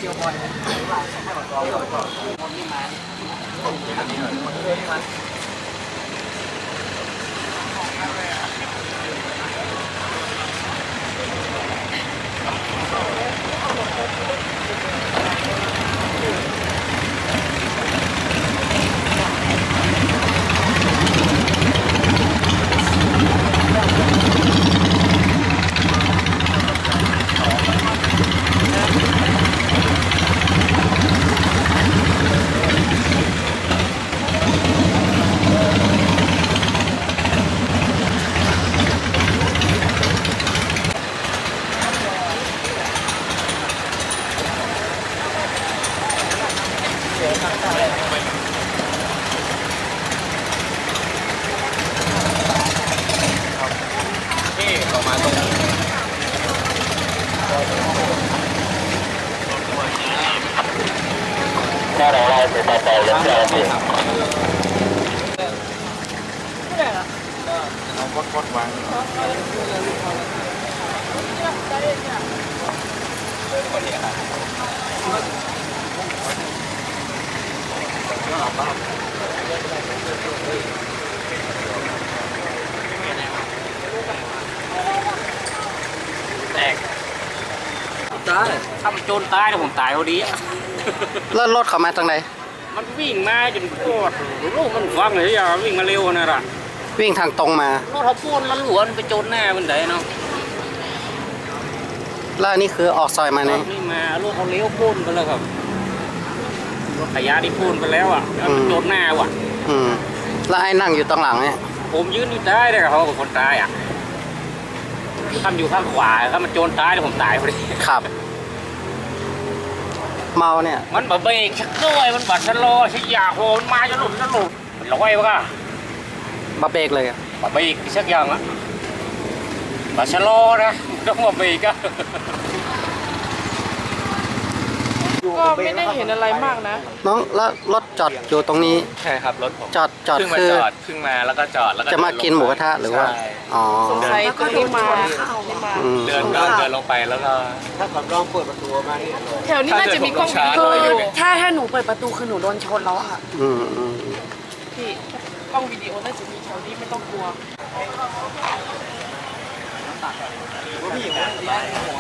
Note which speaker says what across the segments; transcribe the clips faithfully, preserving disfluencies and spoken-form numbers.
Speaker 1: ที่ออกมาตรงนี้ถ้าเราไล่ไปต่อไปแล้วจะเอาไปทำเอากดกดวางคนนี้ครับแตกตายถ้ามันโจรตายเนี่ยผมตายพอดีอ่ะ
Speaker 2: แล้วรถเขามาทางไหน
Speaker 1: มันวิ่งมาจนปวดลูกมันฟังเลยอย่าวิ่งมาเร็วนะล่ะ
Speaker 2: วิ่งทางตรงมาร
Speaker 1: ถเขาปูนมันหลวนไปโจรหน้ามันได้เนาะ
Speaker 2: แล้วอันนี้คือออกซอยมาเนี่ย
Speaker 1: นี่มาลูกเขาเลี้ยวปูนไปแล้วครับรถขยะที่ปูนไปแล้วอ่ะมันโจรหน้าว่ะ
Speaker 2: อืมแล้วไอ้นั่งอยู่ตรงหลังเนี่ย
Speaker 1: ผมยืนอยู่ได้เลยเขาเป็นคนตายอ่ะทำอยู่ข้างขวาถ้ามันโจรตายผมตายพอดี
Speaker 2: ครับเมาเนี่ย
Speaker 1: มันบะเบรกชักด้วยมันบัดชะลอชักยาโหนมาจะหลุดจะหลุดมันลอยวะ
Speaker 2: บะเบรกเลย
Speaker 1: บะเบรกชักอย่างอ่ะบัดชะลอนะต้องบะเบรกอ่ะ
Speaker 3: ก็ไม่ได้เห็นอะไรมากนะ
Speaker 2: น้องแล้วรถจอดอยู่ตรงนี้
Speaker 4: ใช่ครับรถผม
Speaker 2: จอดจอด
Speaker 4: คือจอดขึ้นมาแล้วก็จอดแล้วก็
Speaker 2: จะมากินหมูกระทะหรือว่าอ๋อ
Speaker 3: สงสัยก็ที่มา
Speaker 4: เดินก็เดินลงไปแล้วก็
Speaker 5: ถ้าผมลองเปิดประตูมานี่
Speaker 3: แถวนี้น่าจะมีกล้องวิดีโออยู่ถ้าถ้าหนูเปิดประตูคือหนูโดนชนแล้วอะ
Speaker 2: อืมอืม
Speaker 3: พี่กล้องวิดีโอน่าจะมีแถวนี้ไม่ต้องกลัว
Speaker 5: พี่หญิงนะดีนะหัว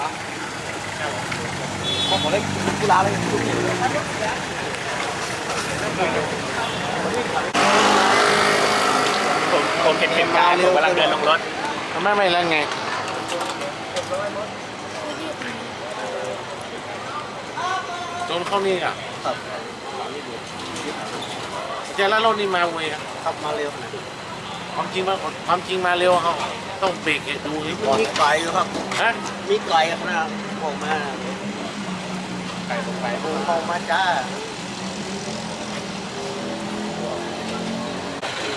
Speaker 5: ผมขอเล่นกีฬาเลยทุกอย่าง
Speaker 4: ผมผมเห็นเหตุการณ์ผมกำลังเดินลงรถ
Speaker 2: ไม่ไม่แล้วไง
Speaker 4: จนเข้านี่อ่ะเจอแล้วรถนี่มาเวย
Speaker 5: ขับมาเร็วนะ
Speaker 4: ความจริงมาความจริงมาเร็วเขาต้องเบรกดูนี่ก่อน
Speaker 5: มีไก่ครับ
Speaker 4: ฮะ
Speaker 5: มีไก่ขนาดผมมา
Speaker 4: ไก่ลงไป
Speaker 5: ผมมาจ้า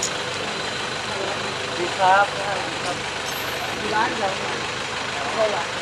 Speaker 5: ดีครับร้านเราเท่าไหร่